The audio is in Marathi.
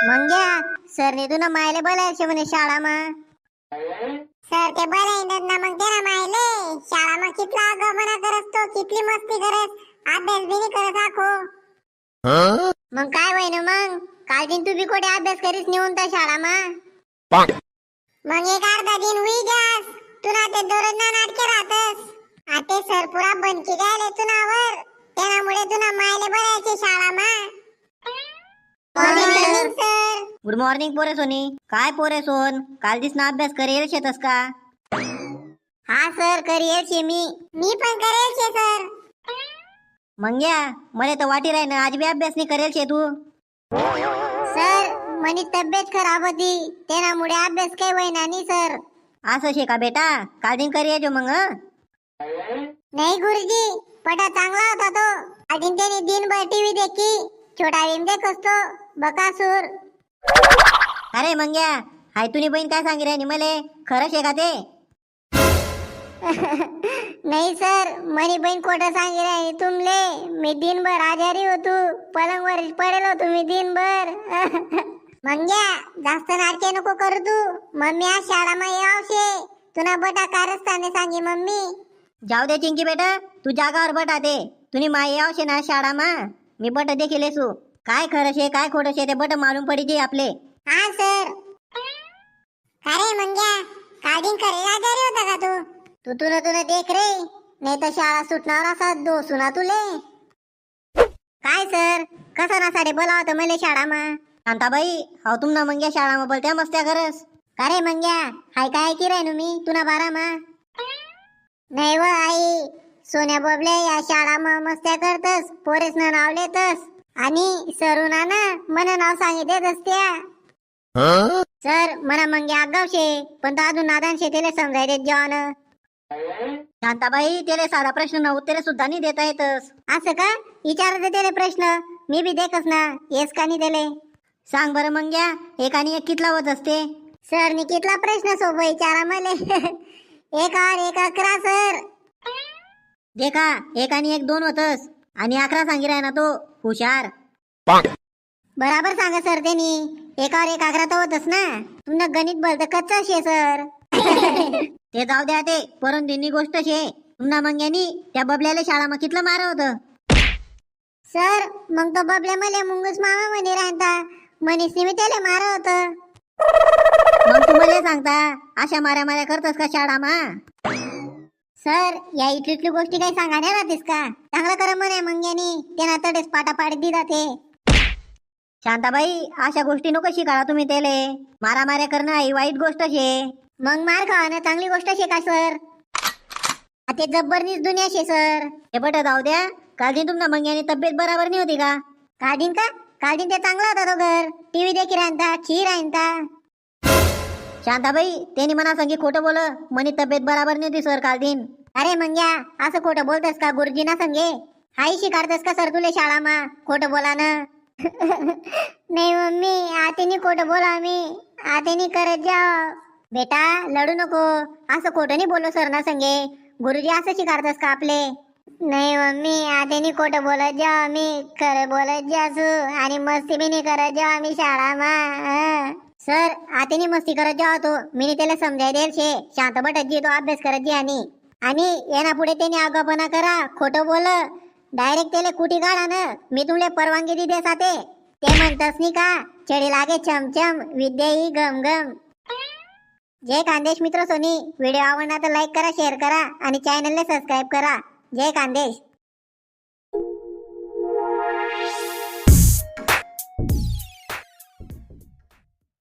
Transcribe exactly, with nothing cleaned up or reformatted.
मग घ्या सरने तुला मायले बोलायचे म्हणे शाळा मा सर ते बोलायनात ना मग ते ना मायले शाळा मा कितला आगाऊपणा करत तो कितली मस्ती करत अभ्यास बी नाही करत आखो मग काय होय ना मग काल दिन तू बी कोठे अभ्यास करीस नेऊन त्या शाळा मा मग एक अर्धा दिन हुई गॅस तुला ते दररोज ना नाटके राहतस आते सर पुरा बनकी गायले तुनावर त्यामुळे तुला मायले बोलायचे शाळा मा मॉर्निंग सर गुड मॉर्निंग पोरे सोनी काय पोरे सोन काल दिसना अभ्यास करेल शेतस का हा सर करेल शे मी मी पण करेल छे सर मग घ्या मला तर वाटी राही ना आज बी अभ्यास नाही करेल शे तू सर मनी तब्येत खराब होती त्यामुळे अभ्यास काही होईना नाही सर असं शे का बेटा काल दिन करी जो मग हं? नाही गुरुजी पटा चांगला होता तो अजून त्याने दिनभर टीव्ही देखी छोटा भीम देखत तो बकासूर अरे मग घ्या हाय तुनी बहीण काय सांगी राहिली मले खरं शे का ते नाही सर मनी बहीण खोटं सांगी राहिली तुमले मी दिनभर आजारी होतो पलंगवर पडेल होतो मी दिनभर मंग्या जास्त नाटके नको करू तू मम्मी आज शाळा मा यावशे तुना बटा कारस्थाने सांगी मम्मी जाऊ दे चिंकी बेटा तू जागावर बटा दे तुनी माई यावशे ना शाळा मा मी बट देखील येसू काय खरं शे काय खोटं शे ते बट मालूम पडी जे आपले हाँ सर अरे मंग्या काल करेल आजारी होता का तू तू तुला तुला देख रे नाही तर शाळा सुटणार असा दो सुना तुले काय सर कसा ना साडे बोला होतं मले शाळा मा शांताबाई हाव तुम ना मंग्या शाळा मा बोलत्या मस्त्या करस का रे मंग्या हाय काय की राहिनो मी तुना बारा मा नाही व आई सोन्या बबले या शाळा मा मस्त्या करतस पोरेस ना नाव लेतस आणि सरुना ना मन नाव सांगितलेच त्या सर मना मंग्या आगाव शे पण तो अजून नादान शे त्याला समजाय देत जेवण शांताबाई त्याला साधा प्रश्न न उत्तरे सुद्धा नाही देता येतस असं का विचारते त्याला प्रश्न मी बी देखस ना येस का नाही त्याले सांग बरं मंग्या एक आणि एक कितला होत असते सर नी कितला प्रश्न सोबत विचारा मले एक आठ एक अकरा सर देखा एक आणि एक दोन होतस आणि अकरा सांगी राय ना तो हुशार बराबर सांगा सर त्यांनी एकावर एक अकरा तर होतच ना तुमनं गणित बोलत कच्चा शे सर ते जाऊ द्या ते परून दिनी गोष्ट शे तुमना मंग्यानी त्या बबल्याला शाळा मग कितलं मार होत सर मग तो बबल्या मले मुंगूस मामा म्हणे राहता मनीषने मी त्याला मार होत मग तुम्हाला सांगता अशा माऱ्या माऱ्या करतस का शाळा मा सर या इथली इथली गोष्टी काही सांगायला राहतेस का चांगलं कर म्हणे मंग्यानी त्यांना तडेच पाटा पाडीत दिला ते शांताबाई अशा गोष्टी नको शिकाळा तुम्ही त्याले मारा माऱ्या करणं ही वाईट गोष्ट शे मग मार खावानं चांगली गोष्ट शे का सर ते जब्बरनीच दुनिया शे सर हे बट जाऊ द्या काल दिन तुमना मंग्यानी तब्येत बराबर नाही होती का काढीन का काढीन ते चांगला होता तो घर टीव्ही देखी राहता खीर राहता शांताबाई त्यांनी मना सांगी खोटं बोल मनी तब्येत बराबर नाही होती सर काल दिन अरे मंग्या असं खोटं बोलतस का गुरुजीना संगे हाई शिकारतस का सर तुले शाळा मा खोटं बोला ना नाही मम्मी आतेनी खोटं बोला मी आतेनी करत जा बेटा लढू नको असं खोटं नाही बोलो सर ना संगे गुरुजी असं शिकारतस का आपले नाही मम्मी आतेनी खोटं बोलत जा मी खरं बोलत जासू आणि मस्ती बी नाही करत जा मी शाळा मा सर आतेनी मस्ती करत जा तो मी त्याला समजाय देल शे शांत बटत जी तो अभ्यास करत जी आणि आणि येना पुढे त्यांनी आगापणा करा खोटं बोल डायरेक्ट त्याला कुटी काढा ना मी तुमले परवानगी दी देसा ते ते म्हणतस नी का चढी लागे चमचम विद्या ही गम गम जय खानदेश मित्र सोनी व्हिडिओ आवडला तर लाईक करा शेअर करा आणि चॅनलला सबस्क्राईब करा जय खानदेश.